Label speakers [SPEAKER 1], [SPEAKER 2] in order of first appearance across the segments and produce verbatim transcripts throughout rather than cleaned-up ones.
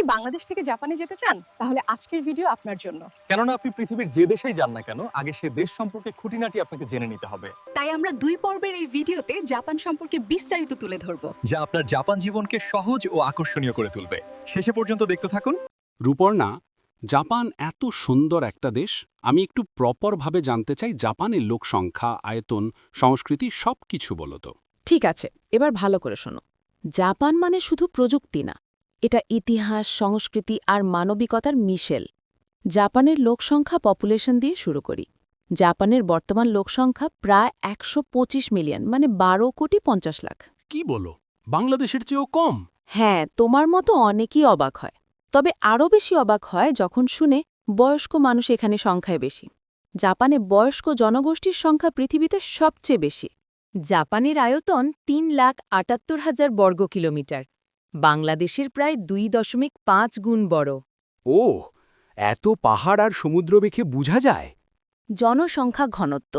[SPEAKER 1] বাংলাদেশ থেকে জাপানে যেতে চান তাহলে আজকের ভিডিও আপনার জন্য।
[SPEAKER 2] কেননা আপনি পৃথিবীর যে দেশেই যান না কেন আগে সে দেশ সম্পর্কে খুঁটিনাটি আপনাকে জেনে নিতে হবে।
[SPEAKER 1] তাই আমরা দুই পর্বের এই ভিডিওতে জাপান সম্পর্কে বিস্তারিত তুলে ধরব,
[SPEAKER 2] যা আপনার জাপান জীবনকে সহজ ও আকর্ষণীয় করে তুলবে। শেষে পর্যন্ত দেখতে থাকুন।
[SPEAKER 3] রূপর্ণা, জাপান এত সুন্দর একটা দেশ, আমি একটু প্রপারভাবে জানতে চাই জাপানের লোক সংখ্যা, আয়তন, সংস্কৃতি সব কিছু বলো তো।
[SPEAKER 4] ঠিক আছে, এবার ভালো করে শোনো। জাপান মানে শুধু প্রযুক্তি না, এটা ইতিহাস, সংস্কৃতি আর মানবিকতার মিশেল। জাপানের লোকসংখ্যা পপুলেশন দিয়ে শুরু করি। জাপানের বর্তমান লোকসংখ্যা প্রায় একশো পঁচিশ মিলিয়ন, মানে বারো কোটি পঞ্চাশ লাখ।
[SPEAKER 3] কি বলো, বাংলাদেশের চেয়েও কম?
[SPEAKER 4] হ্যাঁ, তোমার মতো অনেকেই অবাক হয়। তবে আরও বেশি অবাক হয় যখন শুনে বয়স্ক মানুষ এখানে সংখ্যায় বেশি। জাপানে বয়স্ক জনগোষ্ঠীর সংখ্যা পৃথিবীতে সবচেয়ে বেশি। জাপানের আয়তন তিন লাখ আটাত্তর হাজার বর্গ কিলোমিটার, বাংলাদেশের প্রায় দুই দশমিক পাঁচ গুণ বড়।
[SPEAKER 3] ও, এত পাহাড় আর সমুদ্র দেখে বোঝা যায়।
[SPEAKER 4] জনসংখ্যা ঘনত্ব,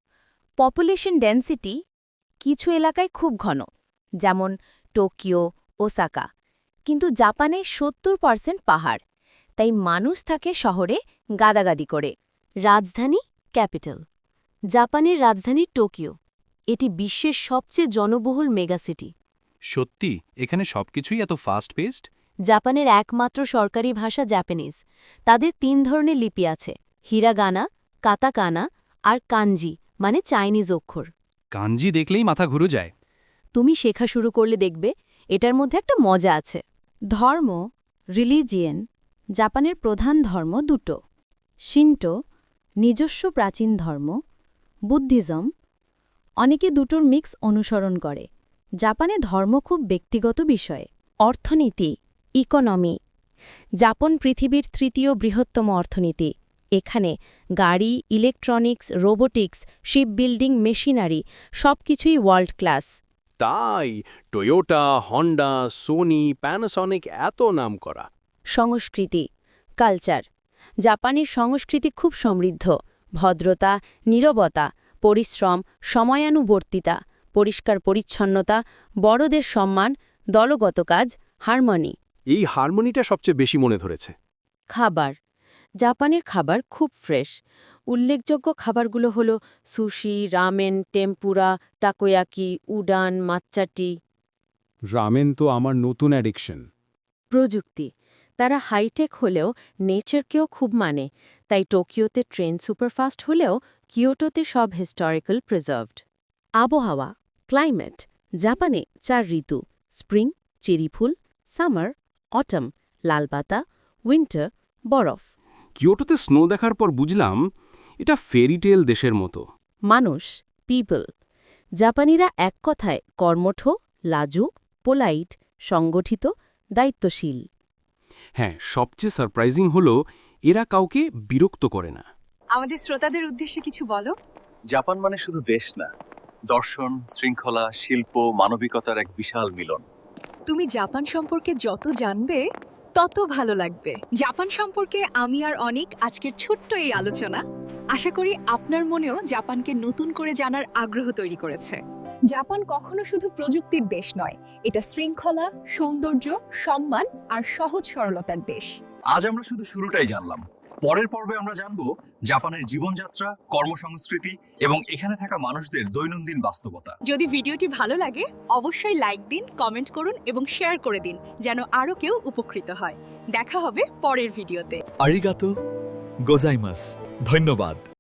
[SPEAKER 4] পপুলেশন ডেন্সিটি কিছু এলাকায় খুব ঘন, যেমন টোকিও, ওসাকা। কিন্তু জাপানে সত্তর পার্সেন্ট পাহাড়, তাই মানুষ থাকে শহরে গাদাগাদি করে। রাজধানী ক্যাপিটাল, জাপানের রাজধানী টোকিও। এটি বিশ্বের সবচেয়ে জনবহুল মেগাসিটি।
[SPEAKER 3] সত্যি এখানে সবকিছুই এত ফাস্ট পেস্ট?
[SPEAKER 4] জাপানের একমাত্র সরকারি ভাষা জাপানিজ। তাদের তিন ধরনের লিপি আছে, হিরাগানা, কাতাকানা আর কাঞ্জি, মানে চাইনিজ অক্ষর।
[SPEAKER 3] কাঞ্জি দেখলেই মাথা ঘুরে যায়।
[SPEAKER 4] তুমি শেখা শুরু করলে দেখবে এটার মধ্যে একটা মজা আছে। ধর্ম, রিলিজিয়েন, জাপানের প্রধান ধর্ম দুটো, শিন্টো, নিজস্ব প্রাচীন ধর্ম, বুদ্ধিজম। অনেকে দুটোর মিক্স অনুসরণ করে। জাপানে ধর্ম খুব ব্যক্তিগত বিষয়। অর্থনীতি, ইকোনমি, জাপান পৃথিবীর তৃতীয় বৃহত্তম অর্থনীতি। এখানে গাড়ি, electronics, robotics, ship building, machinery সবকিছুই ওয়ার্ল্ড ক্লাস।
[SPEAKER 3] তাই টয়োটা, হন্ডা, সোনি, প্যানাসনিক এত নাম করা।
[SPEAKER 4] সংস্কৃতি, কালচার, জাপানের সংস্কৃতি খুব সমৃদ্ধ। ভদ্রতা, নীরবতা, পরিশ্রম, সময়ানুবর্তিতা, পরিষ্কার পরিচ্ছন্নতা, বড়দের সম্মান, দলগত কাজ, হারমোনি।
[SPEAKER 3] এই হারমোনিটা সবচেয়ে বেশি মনে ধরেছে।
[SPEAKER 4] খাবার, জাপানের খাবার খুব ফ্রেশ। উল্লেখযোগ্য খাবারগুলো হল sushi, ramen, tempura, takoyaki, udon, মাচ্চাটি।
[SPEAKER 3] রামেন তো আমার নতুন অ্যাডিকশন।
[SPEAKER 4] প্রযুক্তি, তারা হাইটেক হলেও নেচারকেও খুব মানে, তাই টোকিওতে ট্রেন সুপারফাস্ট হলেও কিয়োটোতে সব হিস্টোরিক্যাল প্রিজার্ভড। আবহাওয়া, ক্লাইমেট, জাপানে চার ঋতু, স্প্রিং, চেরিফুল, সামার, অটম, লালপাতা, উইন্টার, বরফ।
[SPEAKER 3] কিয়োটোতে স্নো দেখার পর বুঝলাম এটা ফেরিটেল দেশের মতো।
[SPEAKER 4] মানুষ, পিপল, জাপানিরা এক কথায় কর্মঠ, লাজুক, পোলাইট, সংগঠিত, দায়িত্বশীল।
[SPEAKER 3] হ্যাঁ, সবচেয়ে সারপ্রাইজিং হলো এরা কাউকে বিরক্ত করে না।
[SPEAKER 1] আমাদের শ্রোতাদের উদ্দেশ্যে কিছু বলো।
[SPEAKER 2] জাপান মানে শুধু দেশ না, দর্শন, শৃঙ্খলা, শিল্প, মানবিকতার এক বিশাল মিলন।
[SPEAKER 1] তুমি জাপান সম্পর্কে যত জানবে তত ভালো লাগবে। জাপান সম্পর্কে আমি আর অনেক আজকের ছোট্ট এই আলোচনা আশা করি আপনার মনেও জাপানকে নতুন করে জানার আগ্রহ তৈরি করেছে। জাপান কখনো শুধু প্রযুক্তির দেশ নয়, এটা শৃঙ্খলা, সৌন্দর্য, সম্মান আর সহজ সরলতার দেশ।
[SPEAKER 2] আজ আমরা শুধু শুরুটাই জানলাম। পরের পর্বে আমরা জানবো জাপানের জীবনযাত্রা, কর্মসংস্কৃতি এবং এখানে থাকা মানুষদের দৈনন্দিন বাস্তবতা।
[SPEAKER 1] যদি ভিডিওটি ভালো লাগে অবশ্যই লাইক দিন, কমেন্ট করুন এবং শেয়ার করে দিন যেন আরও কেউ উপকৃত হয়। দেখা হবে পরের ভিডিওতে।
[SPEAKER 5] আরিগাতো গোজাইমাস, ধন্যবাদ।